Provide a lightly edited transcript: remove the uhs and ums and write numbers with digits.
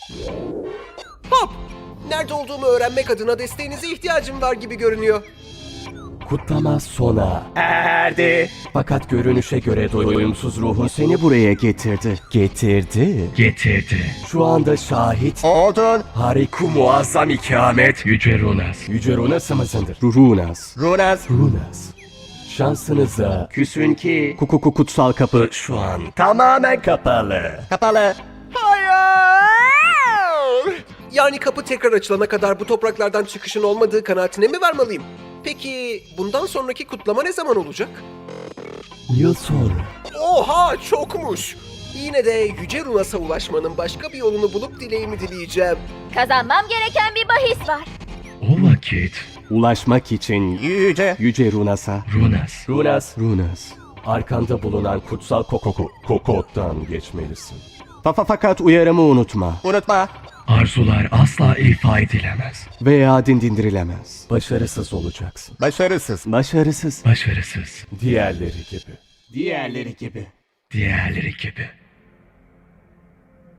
Hop! Nerede olduğumu öğrenmek adına desteğinize ihtiyacım var gibi görünüyor. Kutlama sona erdi. Fakat görünüşe göre doyumsuz ruhun seni buraya getirdi. Getirdi. Şu anda şahit oldun. Hariku muazzam ikamet. Yüce Runas. Yüce Runas mısındır? Runas. Runas. Şansınıza küsün ki kutsal kapı şu an tamamen kapalı. Hayır! Yani kapı tekrar açılana kadar bu topraklardan çıkışın olmadığı kanaatine mi varmalıyım? Peki bundan sonraki kutlama ne zaman olacak? Yıl sonra. Oha, çokmuş! Yine de Yüce Runas'a ulaşmanın başka bir yolunu bulup dileğimi dileyeceğim. Kazanmam gereken bir bahis var. O vakit Ulaşmak için Yüce Runas'a. Runas. Arkanda bulunan kutsal kokottan geçmelisin. Fakat uyarımı unutma. Arzular asla ifa edilemez. Veya dindirilemez. Başarısız olacaksın. Başarısız. Başarısız. Diğerleri gibi. Diğerleri gibi.